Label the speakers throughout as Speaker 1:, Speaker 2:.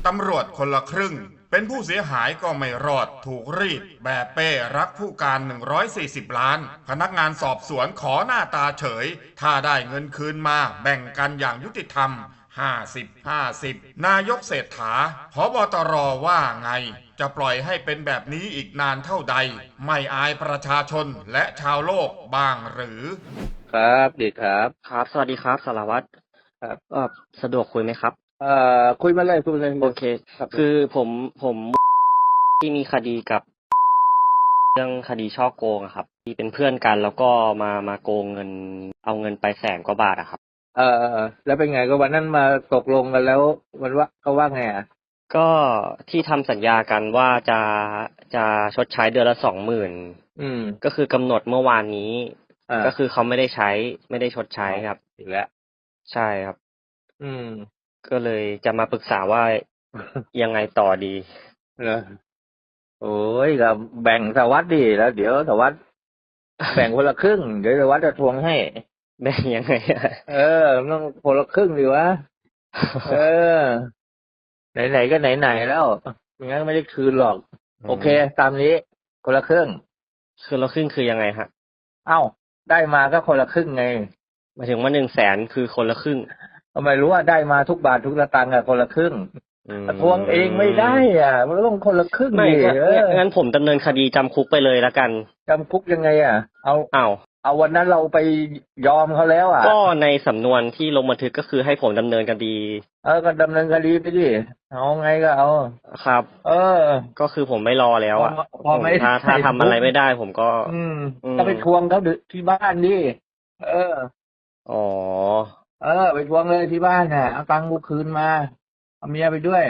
Speaker 1: ตำรวจคนละครึ่งเป็นผู้เสียหายก็ไม่รอดถูกรีดแบบเป้รักผู้การ140 ล้านพนักงานสอบสวนขอหน้าตาเฉยถ้าได้เงินคืนมาแบ่งกันอย่างยุติธรรม50-50นายกเศรษฐาผบตรว่าไงจะปล่อยให้เป็นแบบนี้อีกนานเท่าใดไม่อายประชาชนและชาวโลกบ้างหรือ
Speaker 2: ครับดีครับ
Speaker 3: ครับสวัสดีครับสารวัตร
Speaker 2: ครับ
Speaker 3: สะดวกคุยไหมครับ
Speaker 2: คุยมาเลยคุยมาเลย
Speaker 3: โอเค
Speaker 2: ครับ
Speaker 3: คือผมที่มีคดีกับเรื่องคดีฉ้อโกงอะครับที่เป็นเพื่อนกันแล้วก็มาโกงเงินเอาเงินไป100,000 กว่าบาทอะครับ
Speaker 2: แล้วเป็นไงก็วันนั้นมาตกลงกันแล้ววันว่าเขาว่าไงอ่ะ
Speaker 3: ก็ที่ทำสัญญากันว่าจะชดใช้เดือนละ20,000ก็คือกำหนดเมื่อวานนี้ก็คือเขาไม่ได้ใช้ไม่ได้ชดใช้ครับ
Speaker 2: อีกแล้ว
Speaker 3: ใช่ครับ
Speaker 2: อืม
Speaker 3: ก็เลยจะมาปรึกษาว่ายังไงต่อดี
Speaker 2: เหรอโอ้ยก็แบ่งสวัสดิ์ดิแล้วเดี๋ยวสวัสดิ์แบ่งคนละครึ่งเดี๋ยวสวัสดิ์จะทวงให้
Speaker 3: แบ่งยังไงอะ
Speaker 2: มันต้องคนละครึ่งดิวะเออไหนๆก็ไหนๆแล้วไม่งั้นไม่ได้คืนหรอกโอเคตามนี้คนละครึ่ง
Speaker 3: คือเราครึ่งคือยังไงฮะ
Speaker 2: เอ้าได้มาก็คนละครึ่งไง
Speaker 3: หมายถึงว่า100,000คือคนละครึ่ง
Speaker 2: ทำไมรู้ว่าได้มาทุกบาททุกสตางค์อะคนละครึ่งทวงเองไม่ได้อ่ะมันต้องคนละครึ่ง
Speaker 3: ไม่
Speaker 2: ดิ
Speaker 3: งั้นผมดำเนินคดีจำคุกไปเลยละกัน
Speaker 2: จำคุกยังไงอ่ะ
Speaker 3: อ้าว
Speaker 2: เอาวันนั้นเราไปยอมเขาแล้วอ่ะ
Speaker 3: ก็ในสำนวนที่ลงบันทึกก็คือให้ผมดำเนินคดี
Speaker 2: ก็ดำเนินคดีไปดิเอาไงก็เอา
Speaker 3: ครับก็คือผมไม่รอแล้วอ่ะ
Speaker 2: พอไม่
Speaker 3: ถ้าทำอะไรไม่ได้ผมก็
Speaker 2: ก็ไปทวงเขาที่บ้านดิ
Speaker 3: อ๋อ
Speaker 2: ไปทวงเลยที่บ้านน่ะเอาตังค์กูคืนมาเอาเมียไปด้วย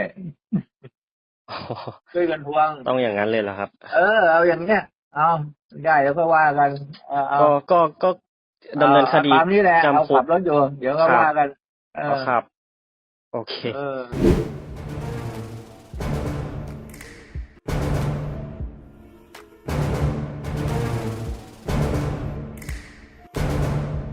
Speaker 2: ช่วยกันทวง
Speaker 3: ต้องอย่างนั้นเลยเหรอครับ
Speaker 2: เอาอย่างเนี้ยเอาได้แล้วก็ว่ากัน
Speaker 3: ก็ดำเนินคดี
Speaker 2: ตามนี้แหละเอา
Speaker 3: จำคุ
Speaker 2: ขั
Speaker 3: ก
Speaker 2: บรถอยู่เดี๋ยวก็ว่ากัน
Speaker 3: ครับโอเค